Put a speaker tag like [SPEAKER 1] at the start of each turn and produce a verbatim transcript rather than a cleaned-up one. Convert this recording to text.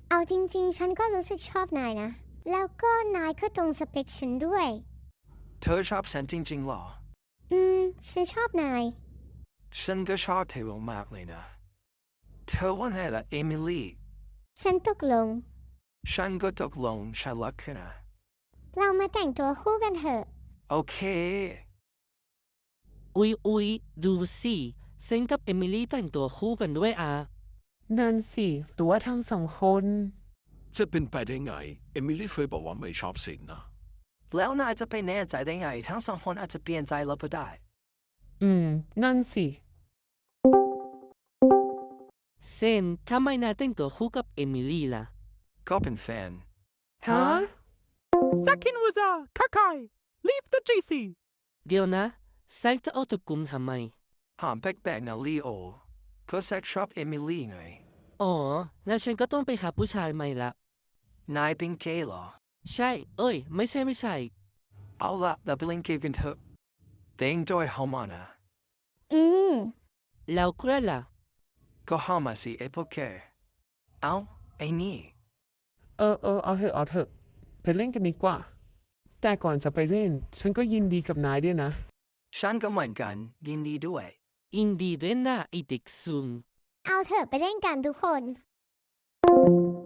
[SPEAKER 1] เอาจริงๆฉันก็รู้สึกชอบนายนะแล้วก็นายก็ตรงสเปคฉันด้วย
[SPEAKER 2] เธอชอบฉันจริงๆหรอ
[SPEAKER 1] อืมฉันชอบนาย
[SPEAKER 2] ฉันก็ชอบเธอมากเลยนะเธอว่าไงล่ะเอมิลี่
[SPEAKER 1] ฉันตกลง
[SPEAKER 2] ฉันก็ตกลงฉันรักเธอนะ
[SPEAKER 1] เรามาแต่งตัวคู่กันเถอะ
[SPEAKER 2] โอเค
[SPEAKER 3] อุ๊ยอุ๊ยดูสิเซนกับเอมิลี่แต่งตัวคู่กันด้วยอ่ะ
[SPEAKER 4] นั่นสิหรือว่าทั้งสองคน
[SPEAKER 5] จะเป็นไปได้ไงเอมิลี่เคยบอกว่าไม่ชอบสินนะ
[SPEAKER 2] แล้วนายจะไปแน่ใจได้ไงทั้งสองคนอาจจะเปลี่ยนใจแล้วก็ได้
[SPEAKER 4] อืม นั่นสิ
[SPEAKER 3] เซนทำไมนายแต่งตัวคู่กับเอมิลี่ล่ะ
[SPEAKER 2] ก็เป็นแฟน
[SPEAKER 4] ฮะ
[SPEAKER 6] Sakin Waza, Kakai, leave the G C.
[SPEAKER 3] เดี๋ยวนะแซกจะเอาตะกุมทำไม
[SPEAKER 2] หอมแปลกๆนะลีโอก็แซกชอบเอมิลี่ไง
[SPEAKER 3] อ๋องั้นฉันก็ต้องไปหาผู้ชายใหม่ละ
[SPEAKER 2] นายเป็นเกย์เหรอ
[SPEAKER 3] ใช่เอ้ยไม่ใช่ไม่ใช่
[SPEAKER 2] เอาละเราไปเล่นเกมกันเถอะแต่งโดยเฮามานะ
[SPEAKER 1] อืม
[SPEAKER 3] แล้วใครล่ะ
[SPEAKER 2] ก็เฮามาสิไอ้พวกแกเอาไอ้นี่
[SPEAKER 4] เออเออเอาเถอะเอาเถอะ ไปเล่นกันดีกว่า แต่ก่อนจะไปเล่น ฉันก็ยินดีกับนายด้วยนะ
[SPEAKER 2] ฉันก็เหมือนกันยินดีด้วย
[SPEAKER 3] อินดีเรนน่าไอเด็กซุน
[SPEAKER 1] เอาเถอะไปเล่นกันทุกคน